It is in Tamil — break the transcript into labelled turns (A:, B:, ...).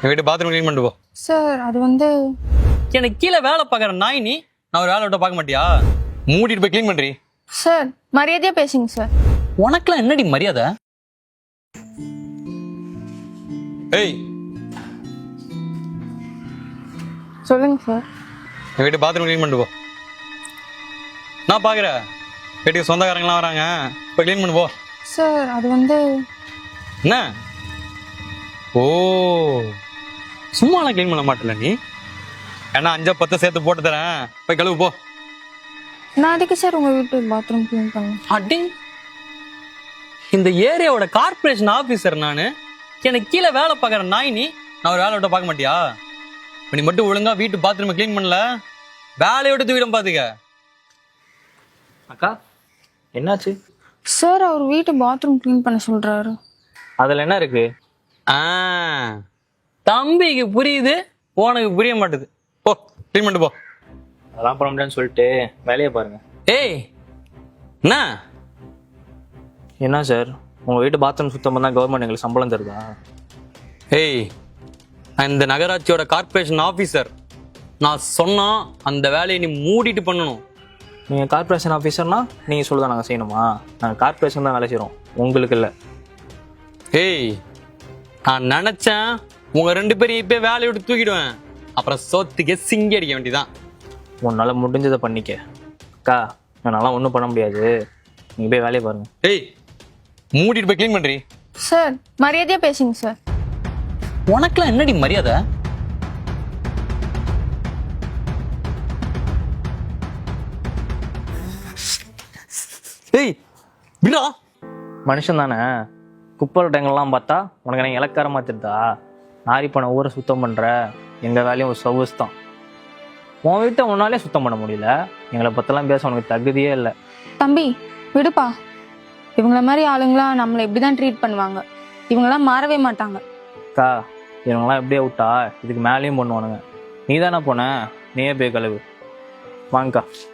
A: என் வீட்டு பாத்ரூம் க்ளீன் பண்ணிட்டு போ.
B: சார் அது வந்து
A: எனக்கு கீழே வேலை பார்க்குற நாய் நீ, நான் ஒரு வேலை விட்ட பார்க்க மாட்டியா? மூடிட்டு போய் க்ளீன் பண்ணுறி.
B: சார் மரியாதையா பேசுங்க சார்.
A: உனக்குலாம் என்னடி மரியாதை? ஏய்
B: சொல்லுங்க சார்.
A: என் வீட்டு பாத்ரூம் க்ளீன் பண்ணிட்டு போ. நான் பார்க்குறேன் வீட்டுக்கு சொந்தக்காரங்களாம் வராங்க, போய் க்ளீன் பண்ணு போ.
B: சார் அது வந்து
A: என்ன? ஓ சும்மாலாம் க்ளீன் பண்ண மாட்டல நீ, ஏன்னா 5-10 சேர்த்து போட்டு தரேன், போய் கழுவு போ.
B: நான் அதுக்கு சார் உங்க வீட்டு பாத்ரூம் க்ளீன் பண்ணேன்.
A: அடி, இந்த ஏரியாவோட கார்பரேஷன் ஆபீசர் நானு, எனக்கு கீழே வேலை பார்க்குற நாய் நீ, நான் ஒரு வேலை விட்ட பார்க்க மாட்டியா? நீ மட்டும் ஒழுங்கா வீட்டு பாத்ரூம் க்ளீன் பண்ணல, வேலையை விட்டு தூக்கிடும் பாத்துக்க.
C: அக்கா என்னாச்சு?
B: சார் அவர் வீட்டு பாத்ரூம் க்ளீன் பண்ண சொல்றாரு.
C: அதில் என்ன இருக்கு?
A: தம்பிக்கு புரியுது, உனக்கு புரிய மாட்டுது. போ க்ளீன் பண்ணிட்டு போ.
C: அதெல்லாம் பண்ண முடியாதுன்னு சொல்லிட்டு வேலையை பாருங்க.
A: ஏய் என்ன
C: என்ன சார், உங்கள் வீட்டு பாத்ரூம் சுத்தம் பண்ணால் கவர்மெண்ட் எங்களுக்கு சம்பளம் தருதா?
A: ஏய், நான் இந்த நகராட்சியோட கார்பரேஷன் ஆஃபீஸர். நான் சொன்னா அந்த வேலையை நீ மூடிட்டு பண்ணணும்.
C: நீங்கள் கார்பரேஷன் ஆஃபீஸர்னா நீங்கள் சொல்லுதான் நாங்கள் செய்யணுமா? நாங்கள் கார்பரேஷன் தான் வேலை செய்கிறோம், உங்களுக்கு இல்லை.
A: ஏய், நான் நினைச்சேன் உங்க 2 பேரையும் இப்ப வேலையை விட்டு தூக்கிடுவேன், அப்புறம் சோத்துக்கே சிங்கி அடிக்க வேண்டியதான்.
C: உன்னால் முடிஞ்சதை பண்ணிக்க. அக்கா என்னால் ஒன்றும் பண்ண முடியாது, நீங்கள் போய் வேலையை பாருங்கள்.
A: ஏய், மூடிட்டு போய் க்ளீன் பண்றீ.
B: சார் மரியாதையா பேசுங்க சார்.
A: உனக்குலாம் என்னடி மரியாதை? ஏய் விடா.
C: மனுஷன் தானே, குப்பை டைங்கெல்லாம் பார்த்தா உனக்கு எனக்கு இலக்காரமாக தெரியுதா? நாரி பண்ண ஊரை சுத்தம் பண்ணுற எங்கள் வேலையும் ஒரு சர்வீஸ் தான். உன் வீட்டை உன்னாலே சுத்தம் பண்ண முடியல, எங்களை பற்றலாம் பேச உனக்கு தகுதியே இல்லை.
B: தம்பி விடுப்பா, இவங்கள மாதிரி ஆளுங்களாம் நம்மளை இப்படிதான் ட்ரீட் பண்ணுவாங்க, இவங்கெல்லாம் மாறவே மாட்டாங்க.
C: அக்கா இவங்கெல்லாம் எப்படியே விட்டா இதுக்கு மேலேயும் பண்ணுவானுங்க. நீ தானே போன, நீயே போய் கழுவு. வாங்கக்கா.